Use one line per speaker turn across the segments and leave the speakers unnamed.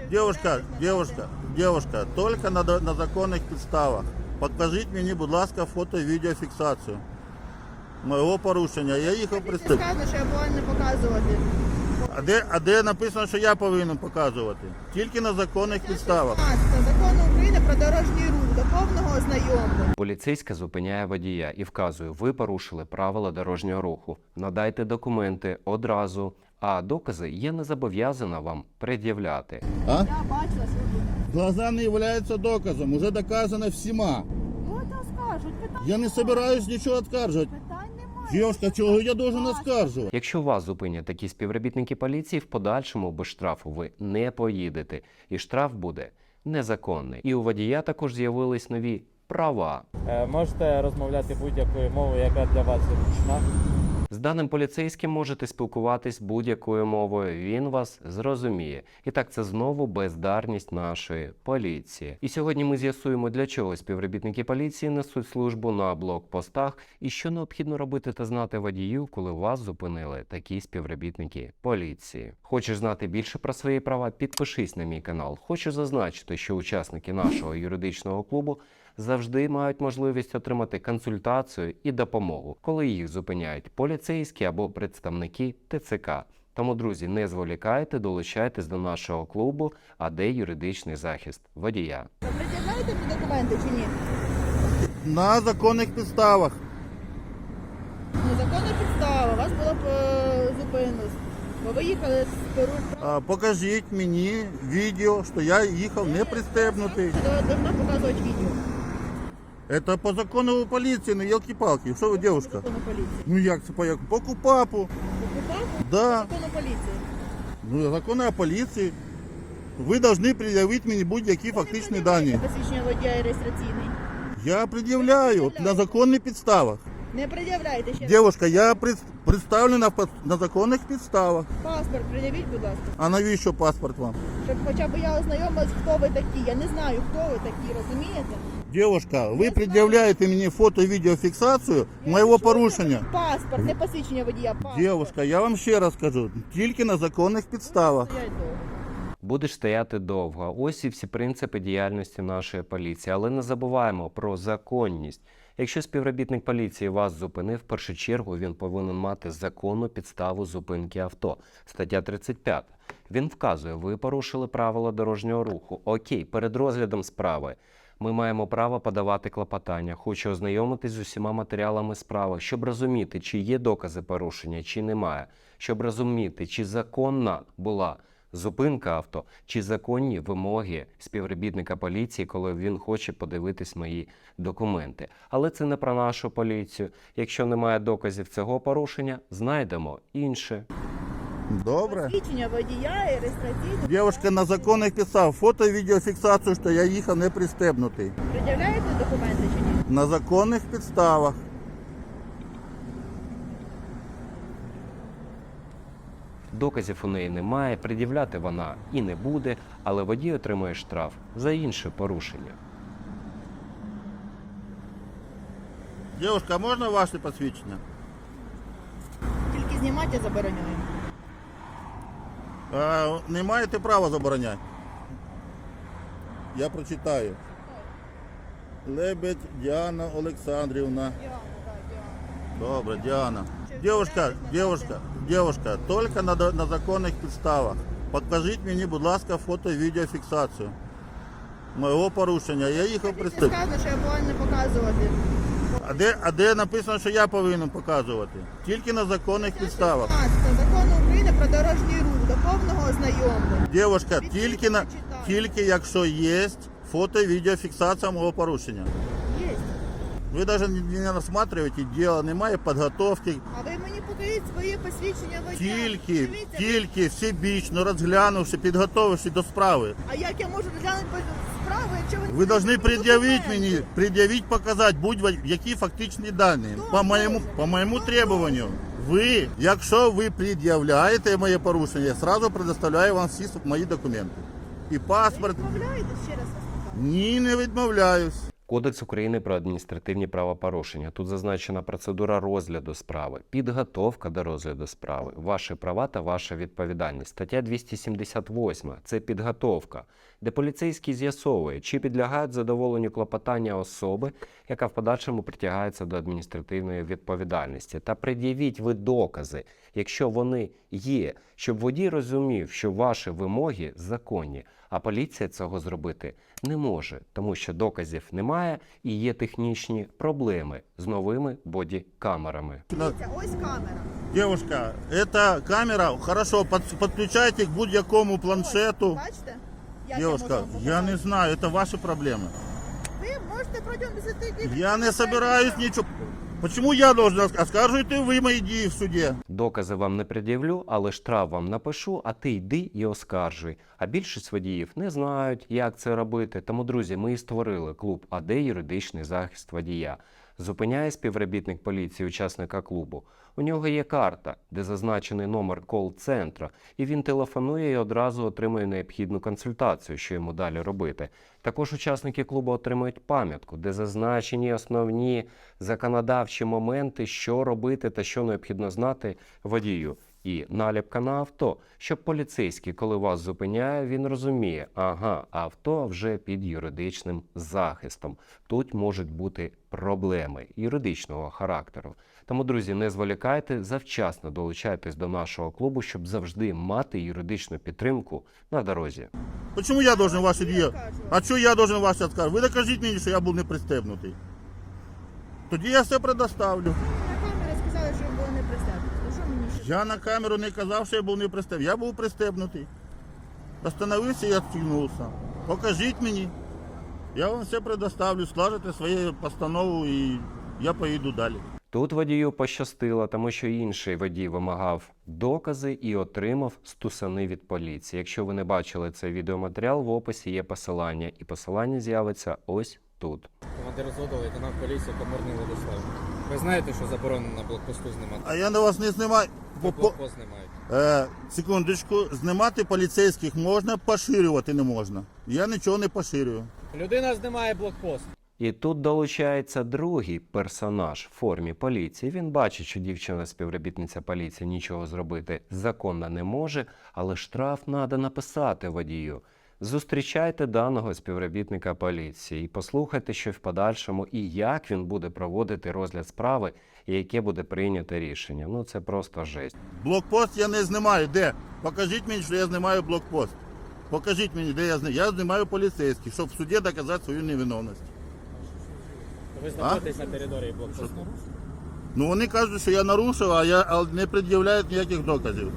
Девушка, только на законних підставах. Покажіть мені, будь ласка, фото і відеофіксацію моєго порушення. Я їхав приступ.
Сказано, що я повинна показувати.
А де написано, що я повинен показувати? Тільки на законних підставах.
Закону України про дорожній рух до повного ознайомлення.
Поліцейська зупиняє водія і вказує, ви порушили правила дорожнього руху. Надайте документи одразу, а докази я не зобов'язана вам пред'являти.
А?
Я бачила свою.
Глаза не являються доказом, уже доказано всіма.
Ну, це скажуть.
Я не собираюсь нічого оскаржувати.
Питань немає.
Девушка, чого я должен оскаржувати?
Якщо вас зупинять такі співробітники поліції, в подальшому без штрафу ви не поїдете. І штраф буде незаконний. І у водія також з'явились нові права.
Можете розмовляти будь-якою мовою, яка для вас зручна.
З даним поліцейським можете спілкуватись будь-якою мовою, він вас зрозуміє. І так, це знову бездарність нашої поліції. І сьогодні ми з'ясуємо, для чого співробітники поліції несуть службу на блокпостах і що необхідно робити та знати водію, коли вас зупинили такі співробітники поліції. Хочеш знати більше про свої права? Підпишись на мій канал. Хочу зазначити, що учасники нашого юридичного клубу завжди мають можливість отримати консультацію і допомогу, коли їх зупиняють поліцейські або представники ТЦК. Тому, друзі, не зволікайте, долучайтесь до нашого клубу АД Юридичний захист водія.
Ви пред'являєте мені документи чи ні?
На законних підставах.
Незаконна підстава. Вас було б зупинено. Бо ви їхали з Перу.
Покажіть мені відео, що я їхав не пристебнутий.
Я должна показувати відео.
Это по закону поліції, ну елки-палки. Що ви, девушка?
Закону поліції.
Ну як це по КУПАПу?
Покупав?
Да.
Закону поліції.
Ну, закони о поліції. Ви повинні пред'явити мені будь-які фактичні дані.
Посвідчення водія і реєстраційний.
Я пред'являю на законних підставах.
Не пред'являйте ще.
Девушка, я представлена на законних підставах.
Паспорт пред'явіть, будь ласка.
А навіщо паспорт вам?
Щоб хоча б я ознайомилась, хто ви такі. Я не знаю, хто ви такі, розумієте?
Девушка, ви пред'являєте мені фото і відеофіксацію моєго порушення.
Паспорт, не посвідчення водія, паспорт.
Девушка, я вам ще раз кажу, тільки на законних підставах.
Стоять довго.
Будеш стояти довго. Ось і всі принципи діяльності нашої поліції. Але не забуваємо про законність. Якщо співробітник поліції вас зупинив, в першу чергу він повинен мати законну підставу зупинки авто. Стаття 35. Він вказує, ви порушили правила дорожнього руху. Окей, перед розглядом справи ми маємо право подавати клопотання. Хочу ознайомитись з усіма матеріалами справи, щоб розуміти, чи є докази порушення, чи немає. Щоб розуміти, чи законна була зупинка авто, чи законні вимоги співробітника поліції, коли він хоче подивитись мої документи. Але це не про нашу поліцію. Якщо немає доказів цього порушення, знайдемо інше.
Добре.
Посвідчення водія і реєстраційний.
Девушка, на законних підставах фото і відеофіксацію, що я їхав не пристебнутий.
Пред'являєте документи чи ні?
На законних підставах.
Доказів у неї немає, пред'являти вона і не буде, але водій отримує штраф за інше порушення.
Девушка, а можна ваше посвідчення?
Тільки знімати я забороняю.
Не маєте права забороняти. Я прочитаю. Лебедь Діана Олександрівна. Добре, Діана. Девушка, тільки на законних підставах. Покажіть мені, будь ласка, фото і відеофіксацію моєго порушення. Я їхав приступ.
Сказано, що я повинна показувати.
А де написано, що я повинен показувати? Тільки на законних підставах.
Закону України про дорожній рух до повного ознайомлення.
Девушка, тільки якщо є фото і відеофіксація мого порушення.
Є.
Ви навіть не розглядаєте діло, немає підготовки.
А ви мені покажіть своє посвідчення водія. Дивіться,
Тільки всебічно розглянувши, підготовивши до справи.
А як я можу розглянути справу, якщо ви...
Ви повинні пред'явити, показати будь-які фактичні дані. По моєму требуванню. Якщо ви пред'являєте моє порушення, я одразу предоставляю вам всі мої документи. І паспорт.
Відмовляєтесь, ще раз вас питаю?
Ні, не відмовляюсь.
Кодекс України про адміністративні правопорушення. Тут зазначена процедура розгляду справи, підготовка до розгляду справи, ваші права та ваша відповідальність. Стаття 278 – це підготовка, де поліцейський з'ясовує, чи підлягають задоволенню клопотання особи, яка в подальшому притягається до адміністративної відповідальності. Та пред'явіть ви докази, якщо вони є, щоб водій розумів, що ваші вимоги законні, а поліція цього зробити не може, тому що доказів немає і є технічні проблеми з новими бодікамерами.
Дивіться, ось камера.
Девушка, эта камера, хорошо, подключайте к будь-якому планшету.
Бачите? Як
Девушка,
можу вам
я не
показати?
знаю, это ваши проблемы.
Ви можете протягом 10 днів...
Я не собираюсь ничего. Почему я должен оскарживать вы мои дії в суді?
Докази вам не пред'явлю, але штраф вам напишу, а ти йди і оскаржуй. А більшість водіїв не знають, як це робити. Тому, друзі, ми і створили клуб АД «Юридичний захист водія». Зупиняє співробітник поліції учасника клубу. У нього є карта, де зазначений номер кол-центру, і він телефонує і одразу отримує необхідну консультацію, що йому далі робити. Також учасники клубу отримують пам'ятку, де зазначені основні законодавчі моменти, що робити та що необхідно знати водію. І наліпка на авто, щоб поліцейський, коли вас зупиняє, він розуміє, ага, авто вже під юридичним захистом. Тут можуть бути проблеми юридичного характеру. Тому, друзі, не зволікайте, завчасно долучайтесь до нашого клубу, щоб завжди мати юридичну підтримку на дорозі.
Почему я должен ваші дії? А що я должен ваші оскаржувати? Ви докажіть мені, що я був не пристебнутий. Тоді я все предоставлю.
На камері сказали, що ви були не пристебнуті. То що мені ще?
Я на камеру не казав, що я був не пристебнутий. Я був пристебнутий. Остановився і відстігнувся. Покажіть мені. Я вам все предоставлю, скажете свою постанову і я поїду далі.
Тут водію пощастило, тому що інший водій вимагав докази і отримав стусани від поліції. Якщо ви не бачили цей відеоматеріал, в описі є посилання. І посилання з'явиться ось тут.
Командир взводу, лейтенант поліції Коморний Владислав. Ви знаєте, що заборонено на блокпосту знімати?
А я на вас не знімаю.
Блокпост знімають.
Секундочку, знімати поліцейських можна, поширювати не можна. Я нічого не поширюю.
Людина знімає блокпост.
І тут долучається другий персонаж в формі поліції. Він бачить, що дівчина-співробітниця поліції нічого зробити законно не може, але штраф треба написати водію. Зустрічайте даного співробітника поліції і послухайте, що в подальшому і як він буде проводити розгляд справи і яке буде прийнято рішення. Ну це просто жесть.
Блокпост я не знімаю. Де? Покажіть мені, що я знімаю блокпост. Покажіть мені, де я знімаю. Я знімаю поліцейських, щоб в суді доказати свою невиновність.
Ви знаходитесь на території блокпосту.
Ну вони кажуть, що я нарушив, а я не пред'являють ніяких доказів.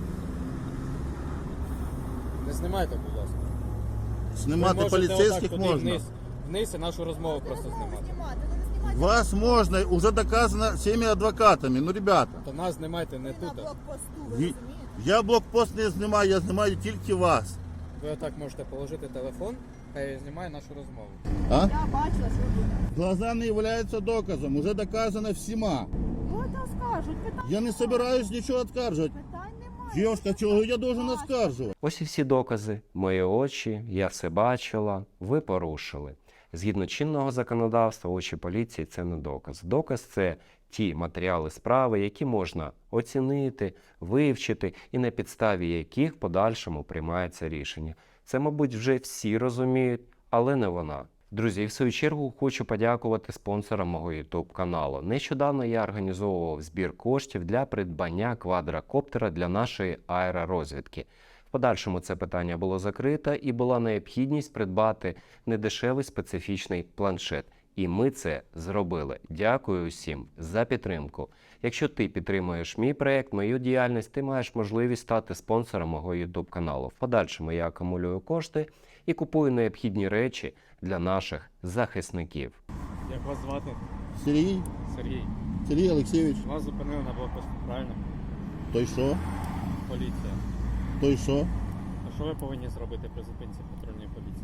Не знімайте, будь ласка.
Знімати
Ви можете
поліцейських
отак туди
можна.
Вниз і нашу розмову просто знімати.
Знімати, ну не знімати.
Вас можна, уже доказано всеми адвокатами. Ну, ребята,
То нас знімайте не
Ви на
тут.
блокпосту, ви
Ні.
розумієте?
я блокпост не знімаю, я знімаю тільки вас.
Ви отак можете положити телефон, хай знімає нашу розмову.
А?
Я бачила, що ви будете.
Глаза не являються доказом, уже доказано всіма.
Ну, це скажуть, питань
Я не собираюсь нічого оскаржувати.
Питань немає.
Дівчинка, чого я должен оскаржувати?
Ось і всі докази. Мої очі, я все бачила, ви порушили. Згідно чинного законодавства, очі поліції – це не доказ. Доказ – це ті матеріали справи, які можна оцінити, вивчити і на підставі яких в подальшому приймається рішення. Це, мабуть, вже всі розуміють, але не вона. Друзі, і в свою чергу хочу подякувати спонсорам мого YouTube каналу. Нещодавно я організовував збір коштів для придбання квадрокоптера для нашої аеророзвідки. В подальшому це питання було закрито і була необхідність придбати недешевий специфічний планшет. І ми це зробили. Дякую усім за підтримку. Якщо ти підтримуєш мій проєкт, мою діяльність, ти маєш можливість стати спонсором мого YouTube каналу. В подальшому я акумулюю кошти і купую необхідні речі для наших захисників.
Як вас звати?
Сергій?
Сергій.
Сергій Олексійович,
Вас зупинили на блокпосту, правильно?
то й що?
Поліція.
То й що?
А що ви повинні зробити при зупинці патрульної поліції?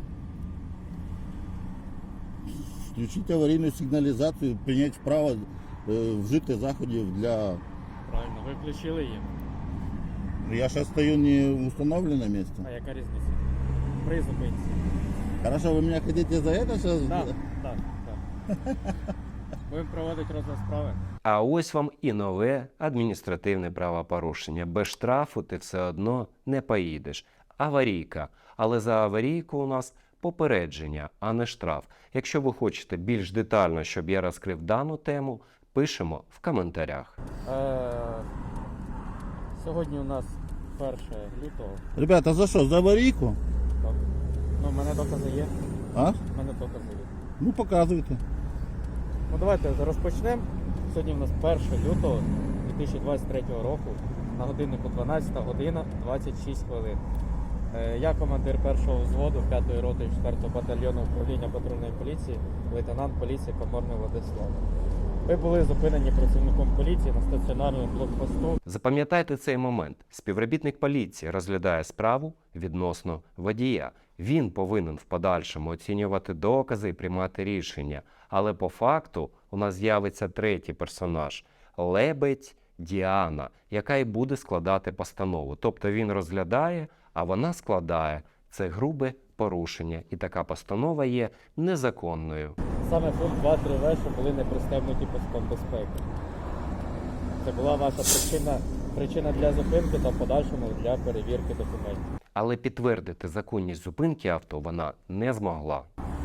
Включити аварійну сигналізацію, прийняти вправо, вжити заходів для...
Правильно, ви включили її.
Я зараз стою не в установленном місці.
А яка різниця? При зупинці.
Хорошо, вы меня хотите за это сейчас?
Так, так, так. Будемо проводити розгляд справи.
А ось вам і нове адміністративне правопорушення. Без штрафу ти все одно не поїдеш. Аварійка. Але за аварійку у нас попередження, а не штраф. Якщо ви хочете більш детально, щоб я розкрив дану тему, пишемо в коментарях.
Сьогодні у нас 1 лютого.
Ребята, за що? За аварійку?
Так. Ну, в мене докази є.
А?
В мене докази є.
Ну показуйте.
Ну давайте розпочнемо. Сьогодні у нас 1 лютого 2023 року. На годиннику 12 година 26 хвилин. Я командир першого взводу 5-ї роти 4-го батальйону управління патрульної поліції, лейтенант поліції Коморний Владислав. Ви були зупинені працівником поліції на стаціонарному блокпосту.
Запам'ятайте цей момент. Співробітник поліції розглядає справу відносно водія. Він повинен в подальшому оцінювати докази і приймати рішення. Але по факту у нас з'явиться третій персонаж – Лебедь Діана, яка і буде складати постанову. Тобто він розглядає, а вона складає. Це грубе порушення. І така постанова є незаконною.
Саме пункт 2.3в, що були не пристебнуті паском безпеки. Це була ваша причина для зупинки та в подальшому для перевірки документів.
Але підтвердити законність зупинки авто вона не змогла.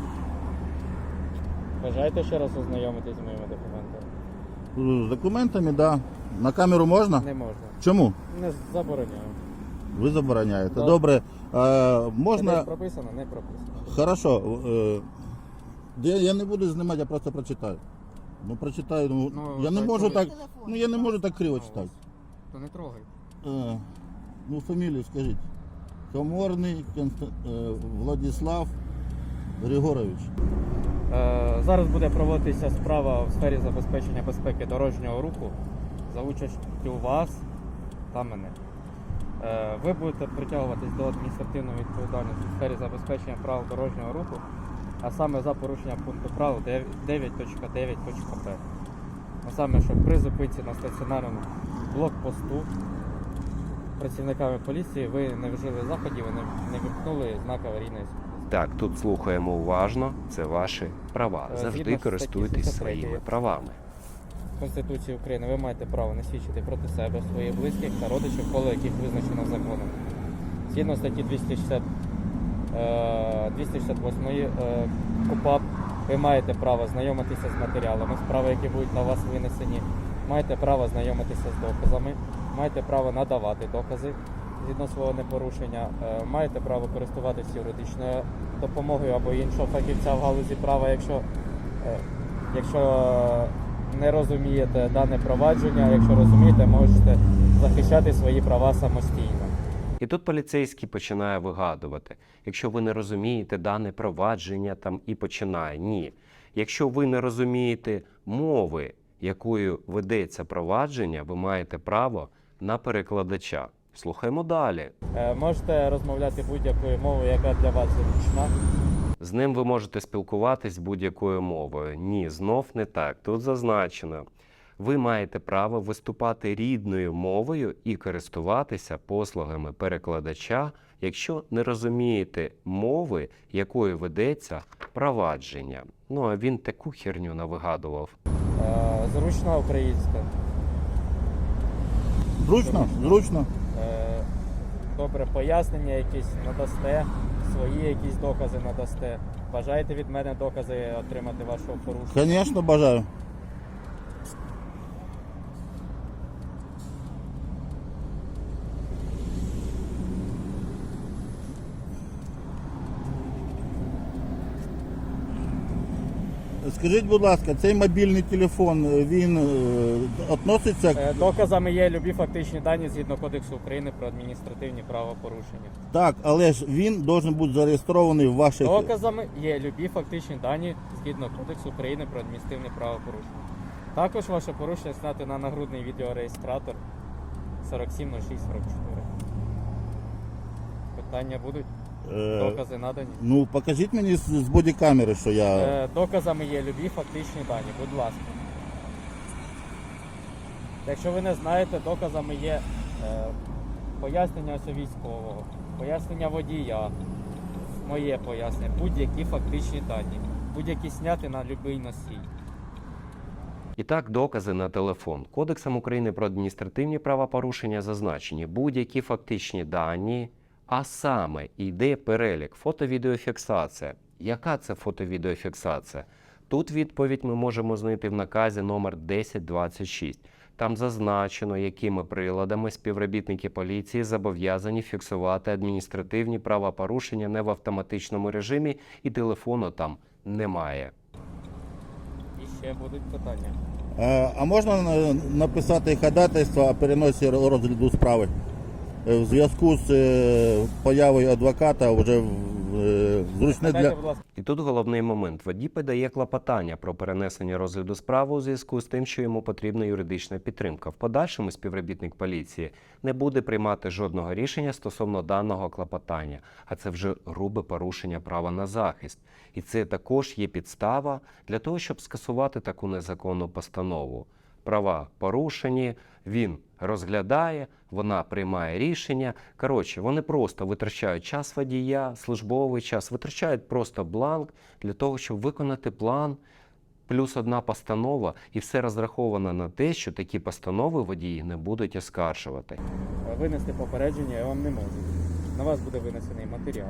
Бажаєте ще раз ознайомитись з моїми документами?
З документами, да. На камеру можна?
Не можна.
Чому?
Не забороняю.
Ви забороняєте.
Да.
Добре.
Це
Можна.
десь прописано, не прописано.
Хорошо. Я не буду знімати, я просто прочитаю. Ну прочитаю. Ну,
Ну,
я не
так,
можу
коли-
так. Ну я не можу так криво читати.
То не трогай.
Ну, фамілію скажіть. Коморний Владислав Григорович.
Зараз буде проводитися справа в сфері забезпечення безпеки дорожнього руху за участю вас та мене. Ви будете притягуватись до адміністративної відповідальності в сфері забезпечення правил дорожнього руху, а саме за порушення пункту правил 9.9.п. А саме, що при зупинці на стаціонарному блокпосту працівниками поліції ви не вжили заходів, ви не вимкнули знак аварійної світлості.
Так, тут слухаємо уважно, це ваші права.
Згідно
Завжди
статті
користуйтесь
73
своїми правами.
Конституції України ви маєте право не свідчити проти себе, своїх близьких та родичів, коло яких визначено законом. Згідно статті 268 КУпАП ви маєте право знайомитися з матеріалами справи, які будуть на вас винесені, маєте право знайомитися з доказами, маєте право надавати докази згідно свого непорушення, маєте право користуватися юридичною допомогою або іншого фахівця в галузі права, якщо не розумієте дане провадження, якщо розумієте, можете захищати свої права самостійно.
І тут поліцейський починає вигадувати. Якщо ви не розумієте дане провадження, там і починає. Ні. Якщо ви не розумієте мови, якою ведеться провадження, ви маєте право на перекладача. Слухаємо далі.
Можете розмовляти будь-якою мовою, яка для вас зручна.
З ним ви можете спілкуватись будь-якою мовою. Ні, знов не так. Тут зазначено. Ви маєте право виступати рідною мовою і користуватися послугами перекладача, якщо не розумієте мови, якою ведеться провадження. Ну, а він таку херню навигадував.
Зручна українська.
Зручно? Зручно.
Добре, пояснення якісь надасте, свої якісь докази надасте. Бажаєте від мене докази отримати вашого порушення?
Звісно, бажаю. Скажіть, будь ласка, цей мобільний телефон, він відноситься...
Доказами є любі фактичні дані згідно Кодексу України про адміністративні правопорушення.
Так, але ж він має бути зареєстрований в ваших...
Доказами є любі фактичні дані згідно Кодексу України про адміністративні правопорушення. Також ваше порушення зняти на нагрудний відеореєстратор 470644. Питання будуть? Докази надані?
Ну, покажіть мені з бодікамери, що я...
Доказами є любі фактичні дані, будь ласка. Якщо ви не знаєте, доказами є пояснення ось військового, пояснення водія, моє пояснення, будь-які фактичні дані. будь-які зняти на будь-який носій.
І так, докази на телефон. Кодексом України про адміністративні правопорушення зазначені будь-які фактичні дані, а саме йде перелік фото-відеофіксація. Яка це фото-відеофіксація? Тут відповідь ми можемо знайти в наказі номер 1026. Там зазначено, якими приладами співробітники поліції зобов'язані фіксувати адміністративні правопорушення не в автоматичному режимі, і телефону там немає.
І ще будуть питання.
А можна написати ходатайство о переносі розгляду справи в зв'язку з появою адвоката вже зручне
Дайте,
для...
будь ласка.
І тут головний момент. Водій подає клопотання про перенесення розгляду справи у зв'язку з тим, що йому потрібна юридична підтримка. В подальшому співробітник поліції не буде приймати жодного рішення стосовно даного клопотання, а це вже грубе порушення права на захист. І це також є підстава для того, щоб скасувати таку незаконну постанову. Права порушені, він розглядає, вона приймає рішення. Коротше, вони просто витрачають час водія, службовий час, витрачають просто бланк для того, щоб виконати план, плюс одна постанова, і все розраховано на те, що такі постанови водії не будуть оскаржувати.
Винести попередження я вам не можу. На вас буде винесений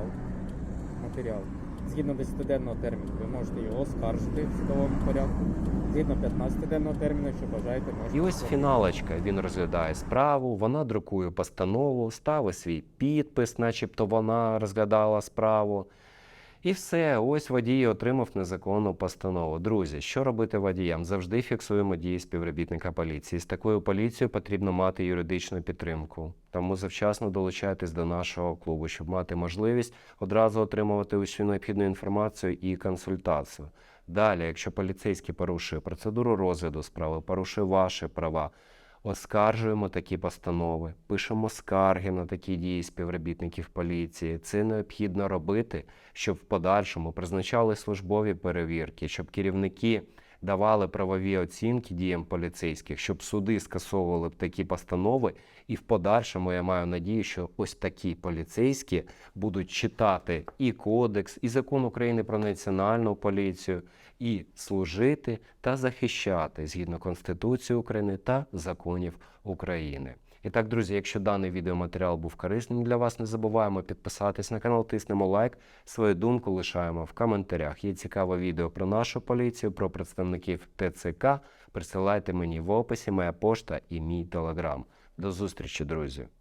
матеріал. Згідно 10-денного терміну ви можете його оскаржити в судовому порядку. Згідно 15-денного терміну, якщо бажаєте, можете.
І ось фіналочка. Він розглядає справу, вона друкує постанову, ставить свій підпис, начебто вона розглядала справу. І все, ось водій отримав незаконну постанову. Друзі, що робити водіям? Завжди фіксуємо дії співробітника поліції. З такою поліцією потрібно мати юридичну підтримку. Тому завчасно долучайтесь до нашого клубу, щоб мати можливість одразу отримувати усю необхідну інформацію і консультацію. Далі, якщо поліцейський порушує процедуру розгляду справи, порушує ваші права, оскаржуємо такі постанови, пишемо скарги на такі дії співробітників поліції. Це необхідно робити, щоб в подальшому призначали службові перевірки, щоб керівники давали правові оцінки діям поліцейських, щоб суди скасовували б такі постанови. І в подальшому я маю надію, що ось такі поліцейські будуть читати і кодекс, і закон України про національну поліцію, і служити та захищати згідно Конституції України та законів України. І так, друзі, якщо даний відеоматеріал був корисним для вас, не забуваємо підписатись на канал, тиснемо лайк, свою думку лишаємо в коментарях. Є цікаве відео про нашу поліцію, про представників ТЦК. Присилайте мені в описі моя пошта і мій телеграм. До зустрічі, друзі!